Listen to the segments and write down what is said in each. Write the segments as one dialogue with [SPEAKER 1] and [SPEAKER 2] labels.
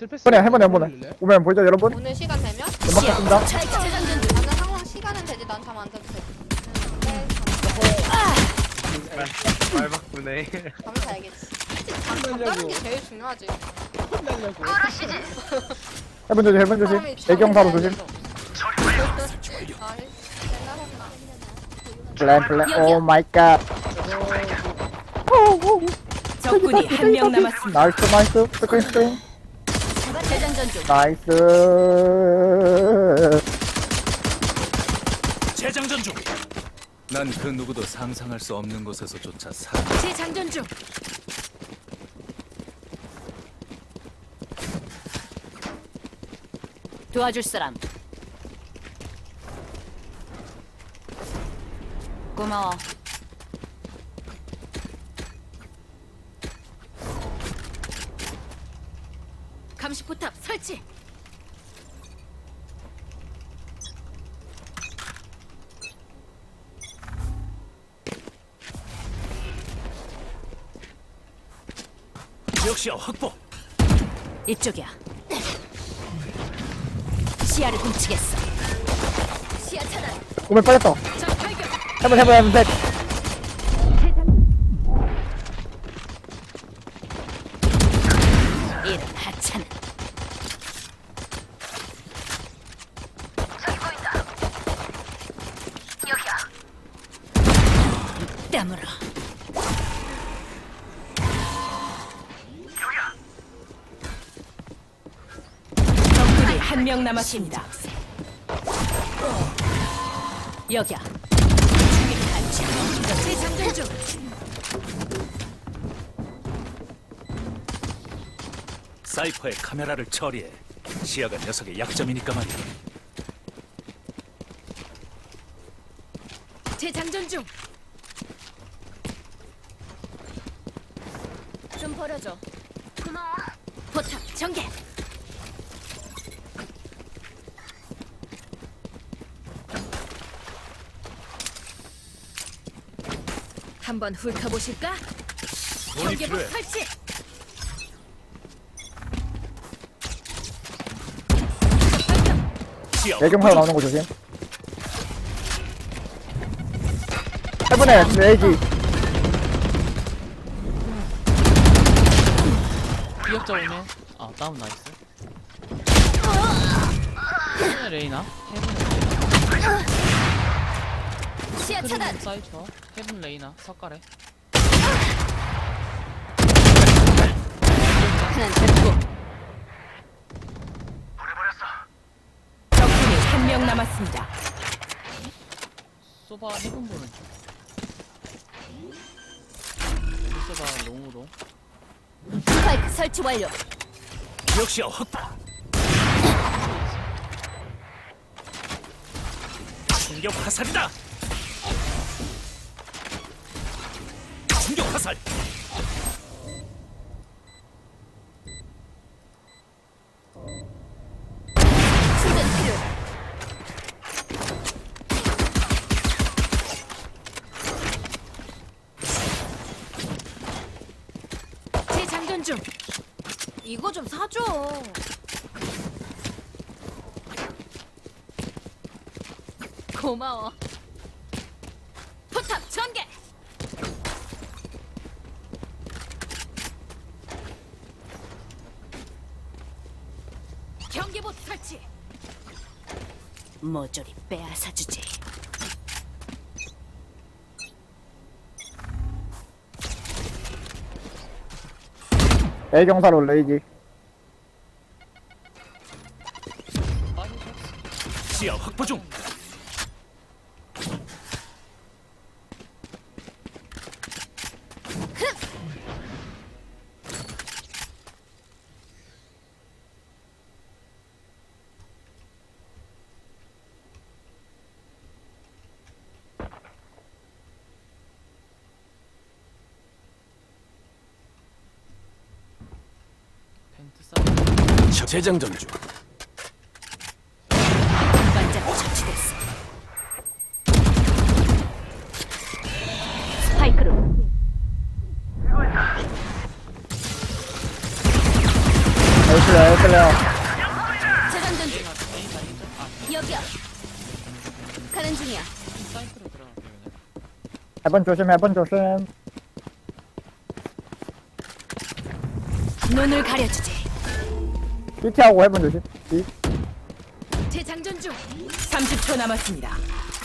[SPEAKER 1] 트패스.
[SPEAKER 2] 해보네 해보네. 오면 보이죠 여러분?
[SPEAKER 3] 오늘 시간 되면?
[SPEAKER 2] 연막 같습니다.
[SPEAKER 3] 나는 항상 시간은 되지. 난 잠 안 자도 돼.
[SPEAKER 1] 말 바꾸네.
[SPEAKER 3] 잠을 자야겠지. 잠 자는 게 제일 중요하지.
[SPEAKER 1] 혼나려고.
[SPEAKER 2] 해본 조심. 애경사로 조심.
[SPEAKER 3] 아,
[SPEAKER 2] 플랜. 오 마이 갓.
[SPEAKER 4] 적군이 한 명 남았습니다.
[SPEAKER 2] 나이스. 스크린.
[SPEAKER 4] 재장전 중.
[SPEAKER 2] 나이스.
[SPEAKER 5] 재장전 중. 난 그 누구도 상상할 수 없는 곳에서조차 살아.
[SPEAKER 4] 재장전 중. 도와줄 사람. 고마워. 감시 포탑 설치.
[SPEAKER 5] 지역시야 확보.
[SPEAKER 4] 이쪽이야. 시야를 훔치겠어. 시야 차단.
[SPEAKER 2] 오면 빠졌어.
[SPEAKER 4] 적 발견.
[SPEAKER 2] 해본 셋.
[SPEAKER 4] 이런 하찮은. 땀으로. 적군이 한 명 남았습니다. 여기야. 재장전 중.
[SPEAKER 5] 사이퍼의 카메라를 처리해. 시야가 녀석의 약점이니까 말이야.
[SPEAKER 4] 재장전 중. 좀 버려줘. 고마워. 포탑 전개. 한번 훑어보실까?
[SPEAKER 5] 돈이
[SPEAKER 4] 경계복
[SPEAKER 5] 필요해.
[SPEAKER 4] 설치.
[SPEAKER 5] 시야
[SPEAKER 2] 애경사로 나오는 거 조심. 해보네 레이지.
[SPEAKER 1] 기억자 오네. 아 다운 나이스. 헤븐의 레이나.
[SPEAKER 4] 시야 차단.
[SPEAKER 1] 사이처. 헤븐 레이나. 석가래.
[SPEAKER 4] 하나 됐고. 적군이 한 명 남았습니다.
[SPEAKER 1] 소바 헤븐 보는 중. 소바 롱으로.
[SPEAKER 4] 스파이크 설치 완료.
[SPEAKER 5] 지역시야 확보. 충격 화살이다. 충격 화살.
[SPEAKER 4] 충전 필요. 재장전 중. 이거 좀 사줘. 고마워. 포탑 전개. 경계봇 설치. 모조리 빼앗아주지.
[SPEAKER 2] 애경사로 레이지.
[SPEAKER 5] 시야 확보 중.
[SPEAKER 1] 벤트 싸움.
[SPEAKER 5] 재장전 중.
[SPEAKER 4] 반짝 처치됐어. 스파이크로.
[SPEAKER 2] 나이스 살려.
[SPEAKER 4] 재장전 중.
[SPEAKER 1] A가 A가 A죠? 아
[SPEAKER 4] 여기야. 가는 중이야.
[SPEAKER 1] 사이트로 들어갈게 그냥.
[SPEAKER 2] 해본 조심, 해본 조심.
[SPEAKER 4] 눈을 가려주지.
[SPEAKER 2] BT하고 해본 조심. B.
[SPEAKER 4] 재장전 중. 30초 남았습니다.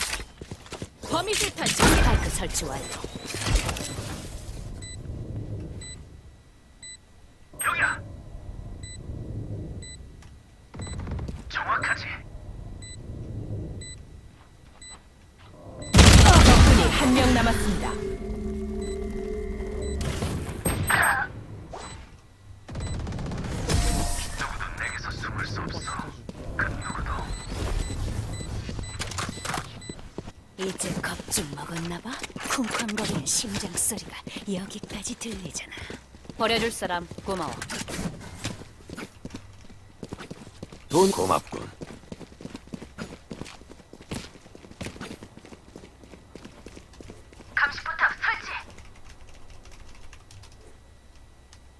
[SPEAKER 4] 범위술탄 마이크 설치 완료. 적군이 한 명 남았습니다. 이제 겁 좀 먹었나봐? 쿵쾅거리는 심장 소리가 여기까지 들리잖아. 버려줄 사람 고마워.
[SPEAKER 6] 돈 고맙군.